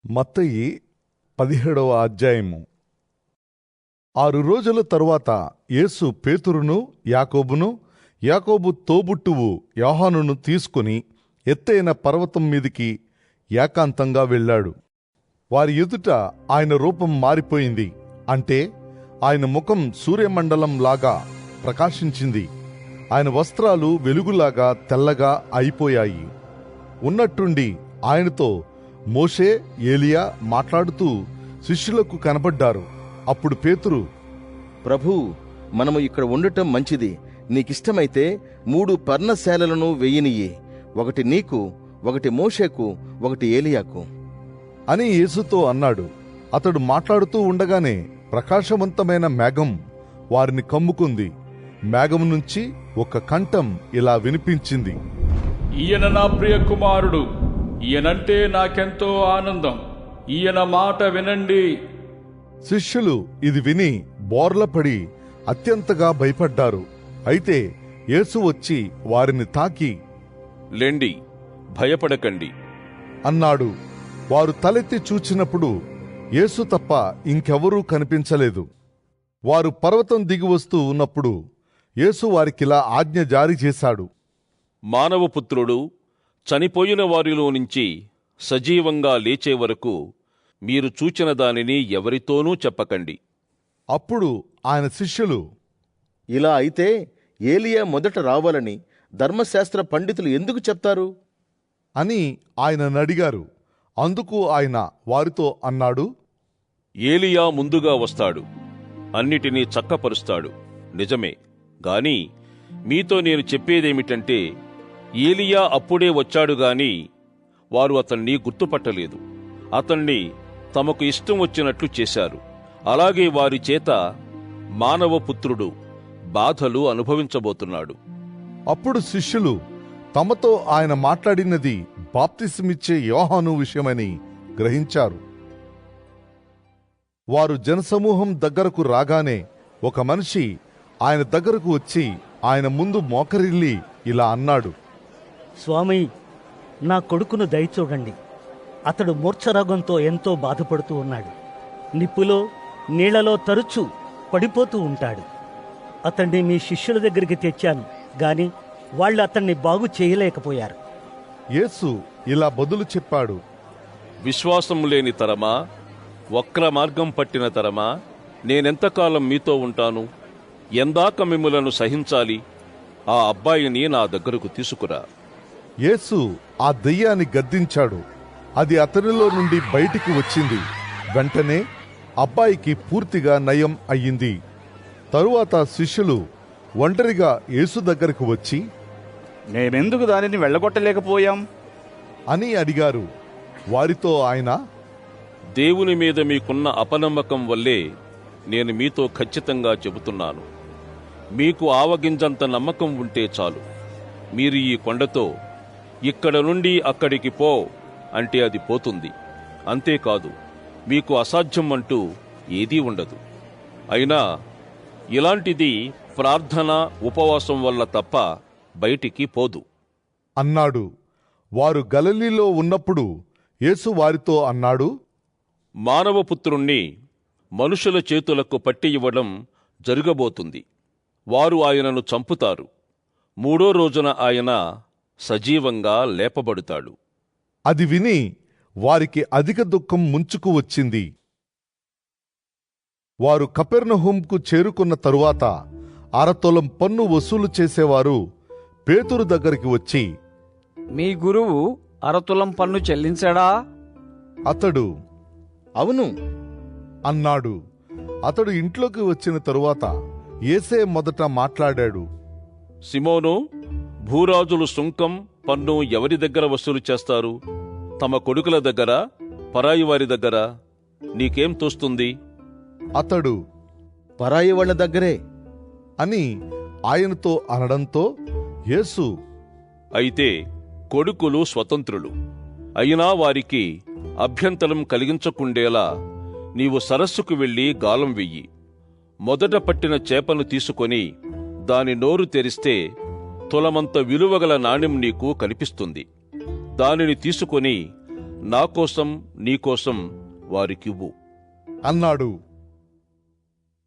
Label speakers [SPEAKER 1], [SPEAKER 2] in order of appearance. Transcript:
[SPEAKER 1] మత్తయి 17వ అధ్యాయము. 6 రోజుల తరువాత యేసు పేతురును యాకోబును, యాకోబు తోబుట్టువు యోహానును తీసుకుని ఎత్తైన పర్వతం మీదికి ఏకాంతంగా వెళ్ళాడు. వారి ఎదుట ఆయన రూపం మారిపోయింది. అంటే ఆయన ముఖం సూర్యమండలం లాగా ప్రకాశించింది. ఆయన వస్త్రాలు వెలుగులాగా తెల్లగా అయిపోయాయి. ఉన్నట్టుండి ఆయనతో మోషే, ఏలియా మాట్లాడుతూ శిష్యులకు కనబడ్డారు. అప్పుడు పేతురు,
[SPEAKER 2] ప్రభూ, మనము ఇక్కడ ఉండటం మంచిది. నీకిష్టమైతే 3 పర్ణశాలలను వెయ్యనియ్యి. ఒకటి నీకు, ఒకటి మోషేకు, ఒకటి ఏలియాకు
[SPEAKER 1] అని యేసుతో అన్నాడు. అతడు మాట్లాడుతూ ఉండగానే ప్రకాశవంతమైన మేఘం వారిని కమ్ముకుంది. మేఘం నుంచి ఒక కంఠం ఇలా వినిపించింది:
[SPEAKER 3] ఈయన నా ప్రియ కుమారుడు, ఈయనంటే నాకెంతో ఆనందం, ఈయన మాట వినండి.
[SPEAKER 1] శిష్యులు ఇది విని బోర్లపడి అత్యంతగా భయపడ్డారు. అయితే యేసు వచ్చి వారిని తాకి,
[SPEAKER 4] లెండి, భయపడకండి
[SPEAKER 1] అన్నాడు. వారు తలెత్తి చూచినప్పుడు యేసు తప్ప ఇంకెవరూ కనిపించలేదు. వారు పర్వతం దిగి వస్తూ ఉన్నప్పుడు యేసు వారికిలా ఆజ్ఞ జారీ చేశాడు:
[SPEAKER 4] మానవపుత్రుడు చనిపోయిన వారిలో నుంచి సజీవంగా లేచే వరకు మీరు చూచిన దానిని ఎవరితోనూ చెప్పకండి.
[SPEAKER 1] అప్పుడు ఆయన శిష్యులు,
[SPEAKER 2] ఇలా అయితే ఏలియా మొదట రావాలని ధర్మశాస్త్ర పండితులు ఎందుకు చెప్తారు
[SPEAKER 1] అని ఆయనను అడిగారు. అందుకు ఆయన వారితో అన్నాడు:
[SPEAKER 4] ఏలియా ముందుగా వస్తాడు, అన్నిటినీ చక్కపరుస్తాడు. నిజమే గాని మీతో నేను చెప్పేదేమిటంటే, ఏలియా అప్పుడే వచ్చాడుగాని వారు అతన్ని గుర్తుపట్టలేదు. అతన్ని తమకు ఇష్టం వచ్చినట్లు చేశారు. అలాగే వారి చేత మానవపుత్రుడు బాధలు అనుభవించబోతున్నాడు.
[SPEAKER 1] అప్పుడు శిష్యులు తమతో ఆయన మాట్లాడినది బాప్తిసమిచ్చే యోహాను విషయమని గ్రహించారు. వారు జనసమూహం దగ్గరకు రాగానే ఒక మనిషి ఆయన దగ్గరకు వచ్చి ఆయన ముందు మోకరిల్లి ఇలా అన్నాడు:
[SPEAKER 5] స్వామి, నా కొడుకును దయచూడండి. అతడు మూర్ఛరోగంతో ఎంతో బాధపడుతూ ఉన్నాడు. నిప్పులో నీళ్లలో తరచూ పడిపోతూ ఉంటాడు. అతన్ని మీ శిష్యుల దగ్గరికి తెచ్చాను గాని వాళ్ళు అతన్ని బాగు చేయలేకపోయారు.
[SPEAKER 1] యేసు ఇలా బదులు చెప్పాడు:
[SPEAKER 4] విశ్వాసం లేని తరమా, వక్ర మార్గం పట్టిన తరమా, నేనెంతకాలం మీతో ఉంటాను? ఎందాక మిమ్ములను సహించాలి? ఆ అబ్బాయిని నా దగ్గరకు తీసుకురా.
[SPEAKER 1] యేసు ఆ దెయ్యాన్ని గద్దించాడు. అది అతనిలో నుండి బయటికి వచ్చింది. వెంటనే అబ్బాయికి పూర్తిగా నయం అయ్యింది. తరువాత శిష్యులు ఒంటరిగా యేసు దగ్గరకు వచ్చి,
[SPEAKER 6] మేమెందుకు దానిని వెళ్ళగొట్టలేకపోయాం
[SPEAKER 1] అని అడిగారు. వారితో ఆయన,
[SPEAKER 4] దేవుని మీద మీకున్న అపనమ్మకం వల్లే నేను మీతో ఖచ్చితంగా చెబుతున్నాను. మీకు ఆవగింజంత నమ్మకం ఉంటే చాలు. మీరు ఈ కొండతో ఇక్కడ నుండి అక్కడికి పో అంటే అది పోతుంది. అంతేకాదు, మీకు అసాధ్యం అంటూ ఏదీ ఉండదు. అయినా ఇలాంటిది ప్రార్థన, ఉపవాసం వల్ల తప్ప బయటికి పోదు
[SPEAKER 1] అన్నాడు. వారు గలిలీలో ఉన్నప్పుడు యేసు వారితో అన్నాడు:
[SPEAKER 4] మానవపుత్రుణ్ణి మనుషుల చేతులకు పట్టి ఇవ్వడం జరగబోతుంది. వారు ఆయనను చంపుతారు. 3వ రోజున ఆయన సజీవంగా లేపబడుతాడు.
[SPEAKER 1] అది విని వారికి అధిక దుఃఖం ముంచుకు వచ్చింది. వారు కపెర్నహూముకు చేరుకున్న తరువాత 1/2 తులం పన్ను వసూలు చేసేవారు పేతురు దగ్గరికి వచ్చి,
[SPEAKER 7] మీ గురువు 1/2 తులం పన్ను చెల్లించాడా?
[SPEAKER 1] అతడు
[SPEAKER 2] అవును
[SPEAKER 1] అన్నాడు. అతడు ఇంట్లోకి వచ్చిన తరువాత యేసే మొదట మాట్లాడాడు:
[SPEAKER 4] సిమోను, భూరాజులు సుంకం, పన్ను ఎవరి దగ్గర వసూలు చేస్తారు? తమ కొడుకుల దగ్గర, పరాయి వారి దగ్గర? నీకేం తోస్తుంది?
[SPEAKER 1] అతడు
[SPEAKER 2] పరాయి వాళ్ళ దగ్గరే
[SPEAKER 1] అని ఆయనతో అనడంతో యేసు,
[SPEAKER 4] అయితే కొడుకులు స్వతంత్రులు. అయినా వారికి అభ్యంతరం కలిగించకుండేలా నీవు సరస్సుకు వెళ్లి గాలం వెయ్యి. మొదట పట్టిన చేపను తీసుకొని దాని నోరు తెరిస్తే తులమంత విలువగల నాణెం నీకు కనిపిస్తుంది. దానిని తీసుకొని నా కోసం నీకోసం వారికివ్వు
[SPEAKER 1] అన్నాడు.